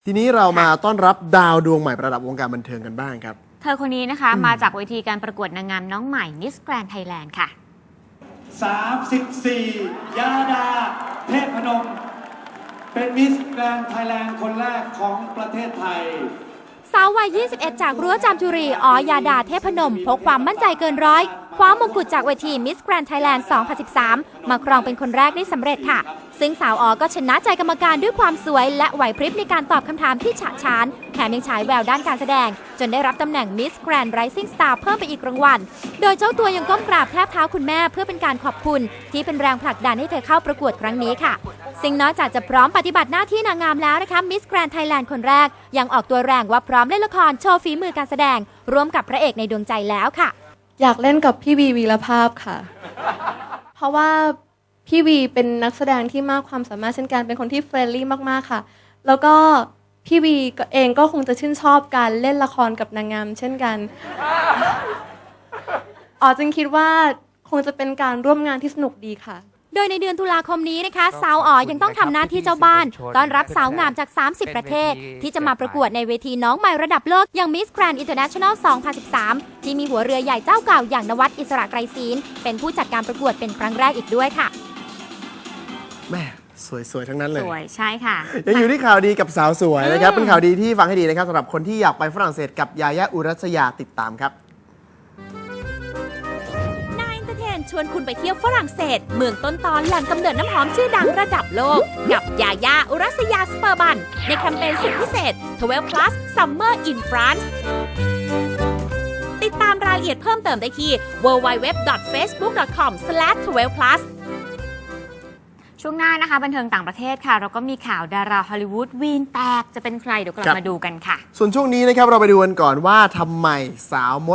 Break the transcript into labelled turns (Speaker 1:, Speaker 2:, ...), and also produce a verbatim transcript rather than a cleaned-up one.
Speaker 1: ทีนี้เรามาต้อนรับดาวดวงใหม่ประดับวงการบันเทิงกันบ้างครับ
Speaker 2: เธอคนนี้นะคะมาจากเวทีการประกวดนางงามน้องใหม่ Miss Grand Thailand ค่ะ
Speaker 3: สามสิบสี่ ยาดา เทพนม เป็นมิสแกรนด์ไทยแลนด์คนแรกของประเทศไทย
Speaker 4: สาววัย ยี่สิบเอ็ด จากรั้วจามจุรีอ๋อยาดาเทพนมพกความมั่นใจเกินร้อยคว้ามงกุฎจากเวที Miss Grand Thailand สองพันสิบสาม มาครองเป็นคนแรกได้สำเร็จค่ะซึ่งสาวอ๋อก็ชนะใจกรรมการด้วยความสวยและไหวพริบในการตอบคำถามที่ฉะฉานแถมยังฉายแววด้านการแสดงจนได้รับตำแหน่ง Miss Grand Rising Star เพิ่มไปอีกรางวัลโดยเจ้าตัวยังก้มกราบแทบเท้าคุณแม่เพื่อเป็นการขอบคุณที่เป็นแรงผลักดันให้เธอเข้าประกวดครั้งนี้ค่ะซึ่งนอกจากจะพร้อมปฏิบัติหน้าที่นางงามแล้วนะคะ Miss Grand Thailand คนแรกยังออกตัวแรงว่าพร้อมเล่นละครโชว์ฝีมือการแสดงร่วมกับพระเอกในดวงใจแล้วค่ะ
Speaker 5: อยากเล่นกับพี่วีวีรภาพค่ะ เพราะว่าพี่วีเป็นนักแสดงที่มากความสามารถเช่นกันเป็นคนที่เฟรนลี่มากๆค่ะแล้วก็พี่วีเองก็คงจะชื่นชอบการเล่นละครกับนางงามเช่นกันอ๋อจึงคิดว่าคงจะเป็นการร่วมงานที่สนุกดีค่ะ
Speaker 4: โดยในเดือนตุลาคมนี้นะคะสาวอ๋อยังต้องทำหน้าที่เจ้าบ้านต้อนรับสาวงามจาก สามสิบ ประเทศที่จะมาประกวดในเวทีน้องใหม่ระดับโลกอย่าง Miss Grand International สองพันสิบสาม ที่มีหัวเรือใหญ่เจ้าเก่าอย่างนวัดอิสระไกรศีลเป็นผู้จัดการประกวดเป็นครั้งแรกอีกด้วยค่ะ
Speaker 1: แม่สวยๆทั้งนั้นเลย
Speaker 2: สวยใช่ค่ะ
Speaker 1: ยังอยู่ที่ข่าวดีกับสาวสวยนะครับเป็นข่าวดีที่ฟังให้ดีนะครับสำหรับคนที่อยากไปฝรั่งเศสกับยายาอุรัสยาติดตามครับ
Speaker 4: ชวนคุณไปเที่ยวฝรั่งเศสเมืองต้นตอนแหล่งกำเนิดน้ำหอมชื่อดังระดับโลกกับยาย่าอุรัสยาสเปอร์บันในแคมเปญสุดพิเศษ ทเวลว์ plus Summer in France ติดตามรายละเอียดเพิ่มเติมได้ที่ ดับเบิลยู ดับเบิลยู ดับเบิลยู ดอท เฟซบุ๊ก ดอท คอม สแลช ทเวลว์ พลัส
Speaker 2: ช่วงหน้านะคะบันเทิงต่างประเทศค่ะเราก็มีข่าวดาราฮอลลีวูดวีนแตกจะเป็นใครเดี๋ยวกลับมาดูกันค่ะ
Speaker 1: ส่วนช่วงนี้นะครับเราไปดูกันก่อนว่าทำไมสาวมด